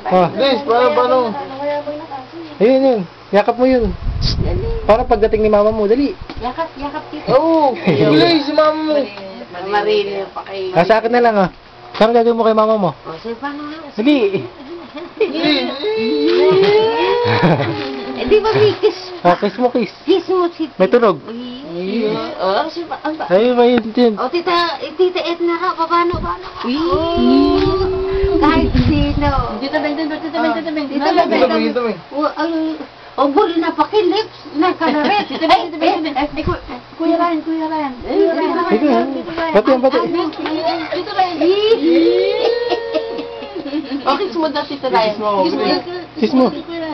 Oh. Please, paano? Ayun yun. Yakap mo yun. Para pagdating ni mama mo, dali. Yakap kita. Oo, please, si mama mo. Marili pa kayo. Sa akin na lang ah. Saan gagawin mo kay mama mo? O, sige, paano nga? Dali. Di ba may kiss? Kiss mo, kiss. Kiss mo si... May tunog. Oh, si... Ayun, may yun. O, tita Edna ka, paano? Kahit sino. Tita Beng. O, buli na pakilips. Nakalarit. Tita Beng. Kuya Ryan. Ito yan. Pati. Tita Ryan. Okay, sumunod na Tita Ryan. Kiss mo.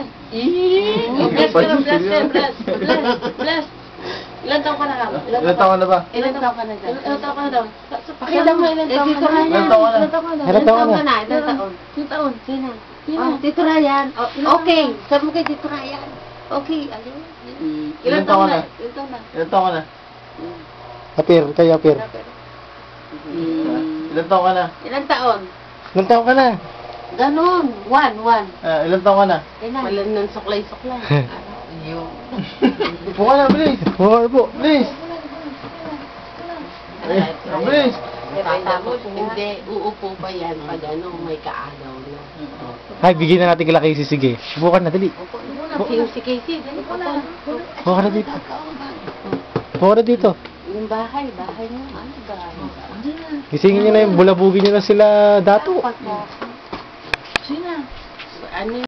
Bless. Ilan taon ka na lang? Ilan taon na ba? Ilan taon ka na daw? Pakita mo ilan taon ka na. Ilan taon ka na? Ilan taon ka na? Ilan taon? Sino? Oh, Tito Ryan. Okay. Sabi mo kay Tito Ryan. Okay, ayun. Ilan taon na? Ilan taon ka na? Apir, kayo apir. Ilan taon ka na? Ilan taon? Ilang taon ka na? Ganon. One. Ilan taon ka na? Malan ng suklay. Upo ka na, please. Oo, po. Please. Please. Tapos, hindi, uupo pa yan pag ano, may kaagaw na. Ay, bigyan na natin kila Casey. Sige. Bukan na, dali. Si Casey, dali po na. Bukan na dito. Bukan na dito. Yung bahay niyo, ano bahay? Gisingin nyo na yung bulabugin nyo na sila dato. Sino? Ano